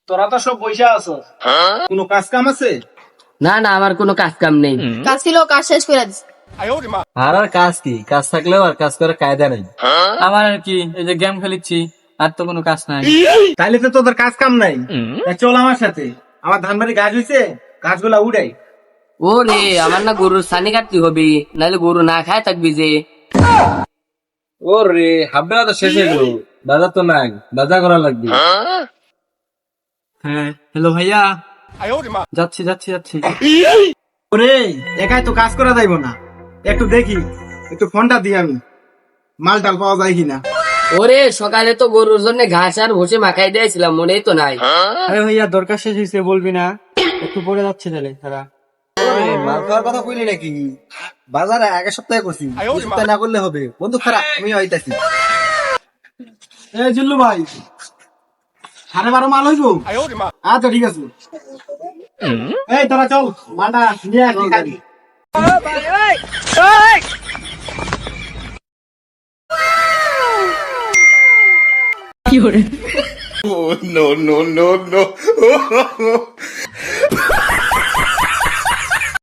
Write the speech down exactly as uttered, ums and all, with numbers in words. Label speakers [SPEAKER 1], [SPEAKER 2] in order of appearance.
[SPEAKER 1] তোরা তো সব বইসা আছো, কোনো কাজ কাম আছে?
[SPEAKER 2] না না, আমার কোনো কাজ কাম নেই।
[SPEAKER 3] কাজ ছিল, কাজ শেষ করে দিস।
[SPEAKER 4] আর আর কাজ কি? কাজ থাকলেও আর কাজ করার কায়দা নেই।
[SPEAKER 5] আমার আর কি, এই যে গেম খেলিচ্ছি, আর তো কোনো কাজ নাই।
[SPEAKER 1] তাইলে তো তোদের কাজ কাম নাই। তা চল আমার সাথে, আমার ধান বাড়ি গাছ হয়েছে, গাছগুলা উড়াই।
[SPEAKER 2] ও রে, আমার না গরুর ছানি কাটতে হবে, নাহলে গরু না খায় থাকবি যে।
[SPEAKER 4] ও রে, হাফ বেলা তো শেষ হয়ে গেল, বাজার তো নাই, বাজার করা লাগবে।
[SPEAKER 5] হ্যাঁ, হ্যালো ভাইয়া, যাচ্ছি যাচ্ছি যাচ্ছি।
[SPEAKER 1] ওরে, একাই তো কাজ করা যাইব না, একটু দেখি, একটু ফোনটা দিই আমি, মাল টাল পাওয়া যায় কিনা।
[SPEAKER 2] ওরে, সকালে তো গরুর জন্য ঘাস আর ভুসি মাখাই দিয়েছিলাম, মনেই তো নাই।
[SPEAKER 5] আরে ভাইয়া, দরকার শেষ হয়েছে বলবি না? একটু পরে যাচ্ছি তাহলে তারা।
[SPEAKER 4] মাল খাওয়ার কথা কইলি নাকি? বাজারে আগের সপ্তাহে করছি, এই সপ্তাহে না করলে হবে। বন্ধু খারাপ, আমি আইতাছি।
[SPEAKER 1] এই জিল্লু ভাই, সাড়ে বারো মাল হইব? আচ্ছা ঠিক আছে। এই তোরা চল, মালটা নিয়ে আসি গাড়ি।
[SPEAKER 6] Oh, no, no, no, no.